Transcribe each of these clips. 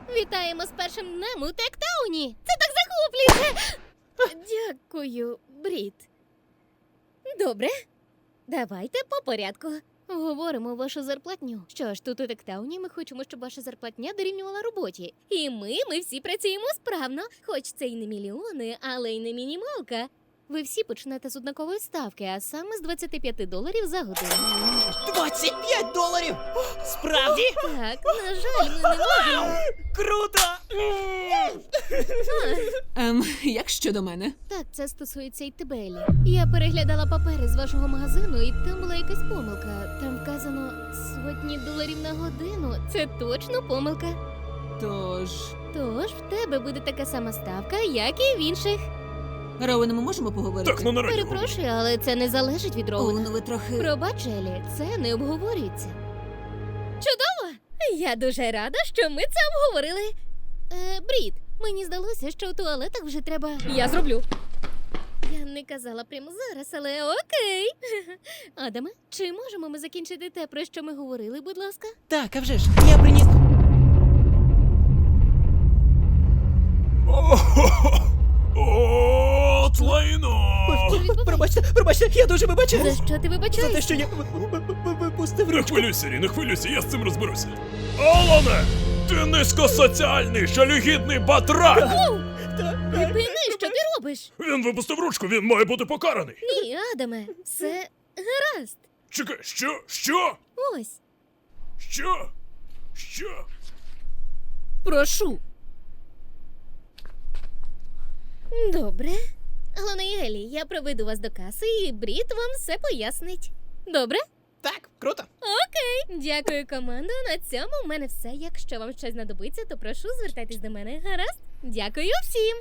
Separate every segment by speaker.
Speaker 1: Вітаємо з першим днем у Тектауні! Це так захоплююче! Дякую, Брід. Добре, давайте по порядку. Говоримо вашу зарплатню. Що ж, тут у Тектауні ми хочемо, щоб ваша зарплатня дорівнювала роботі. І ми всі працюємо справно. Хоч це й не мільйони, але й не мінімалка. Ви всі почнете з однакової ставки, а саме з $25 за годину.
Speaker 2: $25? Справді?
Speaker 1: Так, на жаль, ми не можемо.
Speaker 2: Круто!
Speaker 3: Як щодо мене?
Speaker 1: Так, це стосується і тебе, Елі. Я переглядала папери з вашого магазину, і там була якась помилка. Там вказано $100 на годину. Це точно помилка.
Speaker 3: Тож,
Speaker 1: Тож в тебе буде така сама ставка, як і в інших.
Speaker 3: Роуен, ми можемо поговорити?
Speaker 4: Так, на радіо.
Speaker 1: Перепрошую, але це не залежить від
Speaker 3: О,
Speaker 1: Роуена.
Speaker 3: ну ви трохи...
Speaker 1: Пробач, Елі, це не обговорюється. Чудово! Я дуже рада, що ми це обговорили. Брід, мені здалося, що в туалетах вже треба... Я зроблю. Я не казала прямо зараз, але окей. Адаме, чи можемо ми закінчити те, про що ми говорили, будь ласка?
Speaker 2: Так, а вже ж, я приніс...
Speaker 4: От лайно!
Speaker 2: Пробачте, я дуже вибачаюсь.
Speaker 1: За що ти
Speaker 2: За
Speaker 1: вибачаєш?
Speaker 2: те, що я випустив
Speaker 4: Не
Speaker 2: ручку.
Speaker 4: хвилюйся, Рі, не хвилюйся, я з цим розберуся. Алане! Ти низькосоціальний, жалюгідний батрак!
Speaker 1: Припини, що ти робиш?
Speaker 4: Він випустив ручку, він має бути покараний.
Speaker 1: Ні, Адаме, все гаразд.
Speaker 4: Чекай, що? Що?
Speaker 1: Ось.
Speaker 4: Що? Що?
Speaker 3: Прошу.
Speaker 1: Добре. Алана і Елі, я проведу вас до каси, і Брід вам все пояснить. Добре?
Speaker 2: Так, круто.
Speaker 1: Окей. Дякую, командо. На цьому в мене все. Якщо вам щось знадобиться, то прошу, звертайтесь до мене. Гаразд? Дякую всім.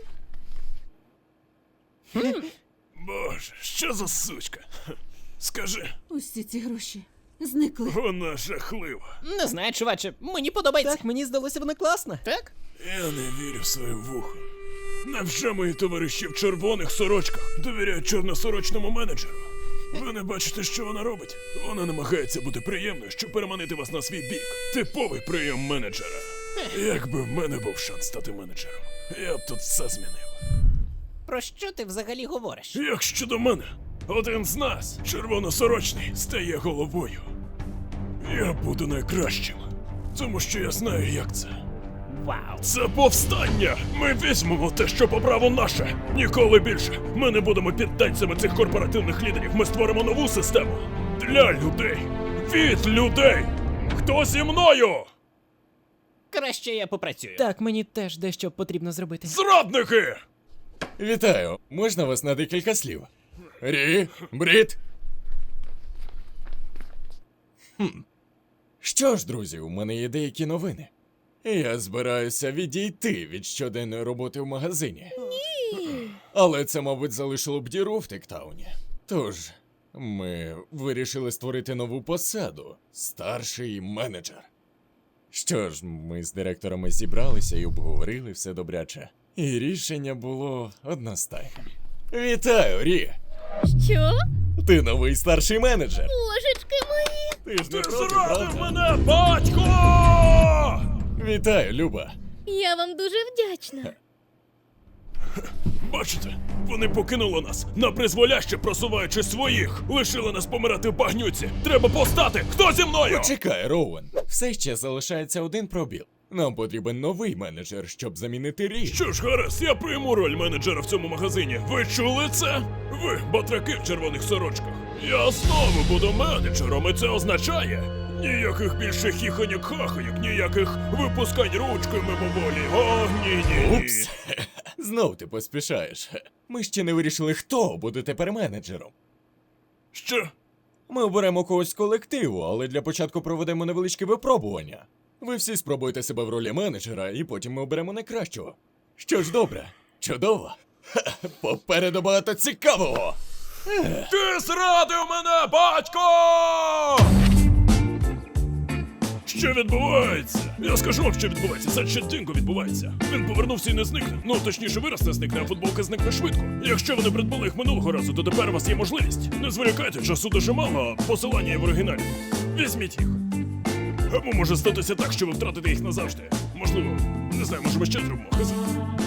Speaker 4: Боже, що за сучка? Скажи,
Speaker 3: Усі ці гроші зникли.
Speaker 4: вона жахлива.
Speaker 2: Не знаю, чуваче, мені подобається. Так, мені здалося, вона класна. Так?
Speaker 4: Я не вірю в своє вухо. Невже мої товариші в червоних сорочках довіряють чорносорочному менеджеру? Ви не бачите, що вона робить? Вона намагається бути приємною, щоб переманити вас на свій бік. Типовий прийом менеджера. Якби в мене був шанс стати менеджером, я б тут все змінив.
Speaker 2: Про що ти взагалі говориш?
Speaker 4: Як щодо мене, один з нас, червоносорочний, стає головою. Я буду найкращим, тому що я знаю, як це.
Speaker 2: Вау.
Speaker 4: Це повстання! Ми візьмемо те, що по праву наше. Ніколи більше. Ми не будемо підданцями цих корпоративних лідерів. Ми створимо нову систему. Для людей. Від людей. Хто зі мною?
Speaker 2: Краще я попрацюю. Так, мені теж дещо потрібно зробити.
Speaker 4: Зрадники!
Speaker 5: Вітаю! Можна вас на декілька слів? Рі, Брід. Що ж, друзі, у мене є деякі новини. Я збираюся відійти від щоденної роботи в магазині. Ні. Але це, мабуть, залишило б діру в Тектауні. Тож, ми вирішили створити нову посаду – старший менеджер. Що ж, ми з директорами зібралися і обговорили все добряче. І рішення було одностайним. Вітаю, Рі!
Speaker 1: Що?
Speaker 5: Ти новий старший менеджер.
Speaker 1: Божечки мої.
Speaker 5: Ти ж не
Speaker 4: Ти
Speaker 5: проти,
Speaker 4: зрадив
Speaker 5: правда?
Speaker 4: мене, батько!
Speaker 5: Вітаю, Люба.
Speaker 1: Я вам дуже вдячна.
Speaker 4: Бачите, вони покинули нас, напризволяще просуваючи своїх. Лишили нас помирати в багнюці. Треба повстати! Хто зі мною?
Speaker 5: Почекай, Роуен. Все ще залишається один пробіл. Нам потрібен новий менеджер, щоб замінити Рі.
Speaker 4: Що ж, гаразд, я прийму роль менеджера в цьому магазині. Ви чули це? Ви, батраки в червоних сорочках. Я знову буду менеджером, і це означає ніяких більше хіхоньок-хахоньок, ніяких випускань ручкою мимоволі. О, ні-ні-ні.
Speaker 5: Упс. Знов ти поспішаєш. Ми ще не вирішили, хто буде тепер менеджером.
Speaker 4: Що?
Speaker 5: Ми оберемо когось з колективу, але для початку проведемо невеличке випробування. Ви всі спробуйте себе в ролі менеджера, і потім ми оберемо найкращого. Що ж, добре, чудово. Ха, попереду багато цікавого.
Speaker 4: Ти зрадив мене, батько! Що відбувається? Я скажу вам, що відбувається. Це чертинко відбувається. Він повернувся і не зникне. Ну, точніше, вираз не зникне, а футболка зникне швидко. Якщо ви не придбали їх минулого разу, то тепер у вас є можливість. Не зволікайте, часу дуже мало, а посилання є в оригіналі. Візьміть їх. Або може статися так, що ви втратите їх назавжди. Можливо, не знаю, може ми ще зробимо. Хз.